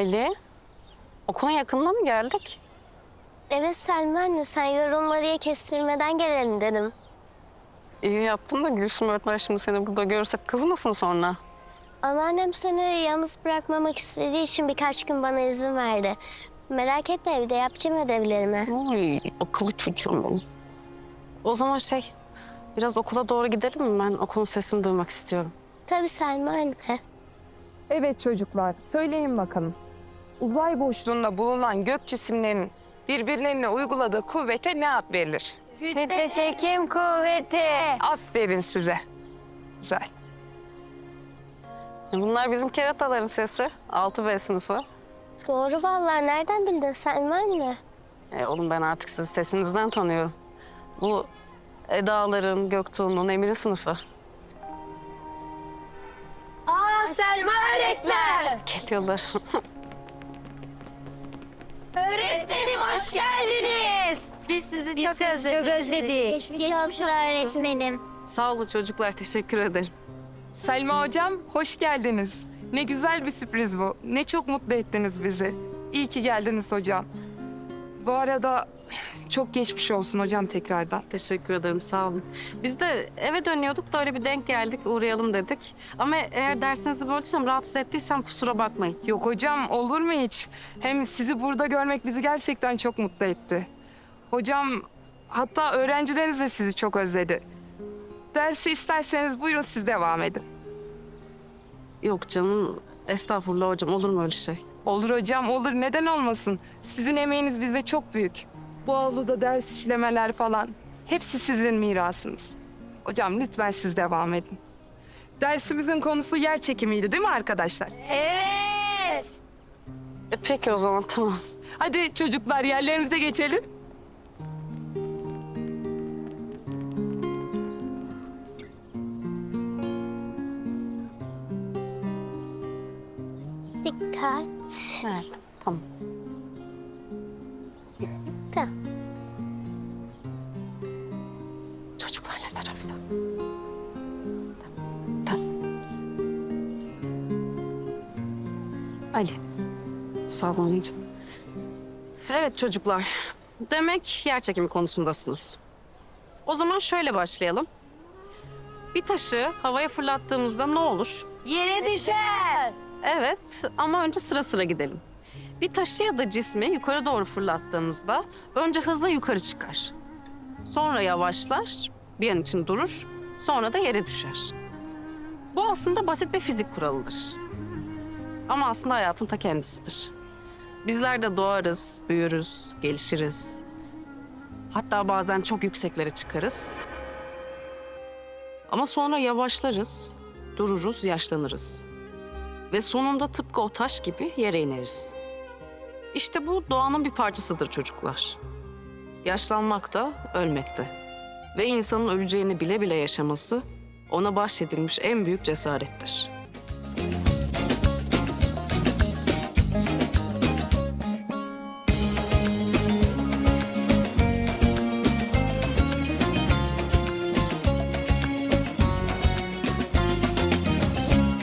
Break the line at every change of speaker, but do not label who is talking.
Ali, okulun yakınına mı geldik?
Evet Selma anne, sen yorulma diye kestirmeden gelelim dedim.
İyi yaptın da Gülsüm öğretmen şimdi seni burada görürse kızmasın sonra.
Anneannem seni yalnız bırakmamak istediği için birkaç gün bana izin verdi. Merak etme, evde yapacağım ödevlerimi.
Ay, akıllı çocuğum benim. O zaman biraz okula doğru gidelim mi? Ben okulun sesini duymak istiyorum.
Tabii Selma anne.
Evet çocuklar, söyleyin bakalım. Uzay boşluğunda bulunan gök cisimlerinin birbirlerine uyguladığı kuvvete ne ad verilir?
Kütle çekim kuvveti.
Aferin size. Güzel.
Bunlar bizim kerataların sesi. 6B sınıfı.
Doğru vallahi, nereden bildin Selma anne?
Oğlum ben artık sizi sesinizden tanıyorum. Bu Eda'ların, Göktuğ'un, Emir'in sınıfı.
Aa, Selma öğretmen.
Geliyorlar.
Öğretmenim hoş geldiniz. Biz sizi çok özledik.
Geçmiş öğretmenim.
Sağ olun çocuklar, teşekkür ederim.
Selma hocam, hoş geldiniz. Ne güzel bir sürpriz bu. Ne çok mutlu ettiniz bizi. İyi ki geldiniz hocam. Bu arada çok geçmiş olsun hocam tekrardan.
Teşekkür ederim, sağ olun. Biz de eve dönüyorduk da öyle bir denk geldik, uğrayalım dedik. Ama eğer dersinizi böldüysem, rahatsız ettiysem kusura bakmayın.
Yok hocam, olur mu hiç? Hem sizi burada görmek bizi gerçekten çok mutlu etti. Hocam, hatta öğrencileriniz de sizi çok özledi. Dersi isterseniz buyurun siz devam edin.
Yok canım, estağfurullah hocam, olur mu öyle şey?
Olur hocam, olur. Neden olmasın? Sizin emeğiniz bizde çok büyük. Bu avluda ders işlemeler falan. Hepsi sizin mirasınız. Hocam lütfen siz devam edin. Dersimizin konusu yer çekimiydi değil mi arkadaşlar?
Evet.
Peki o zaman, tamam.
Hadi çocuklar yerlerimize geçelim.
Dikkat.
Evet, tamam.
Tamam.
Çocuklar ne tarafta? Tamam. Ali. Sağ olun anneciğim. Evet çocuklar. Demek yer çekimi konusundasınız. O zaman şöyle başlayalım. Bir taşı havaya fırlattığımızda ne olur?
Yere düşer.
Evet ama önce sıra sıra gidelim. Bir taşı ya da cismi yukarı doğru fırlattığımızda önce hızla yukarı çıkar. Sonra yavaşlar, bir an için durur, sonra da yere düşer. Bu aslında basit bir fizik kuralıdır. Ama aslında hayatın ta kendisidir. Bizler de doğarız, büyürüz, gelişiriz. Hatta bazen çok yükseklere çıkarız. Ama sonra yavaşlarız, dururuz, yaşlanırız. Ve sonunda tıpkı o taş gibi yere ineriz. İşte bu doğanın bir parçasıdır çocuklar. Yaşlanmak da, ölmek de. Ve insanın öleceğini bile bile yaşaması ona bahşedilmiş en büyük cesarettir.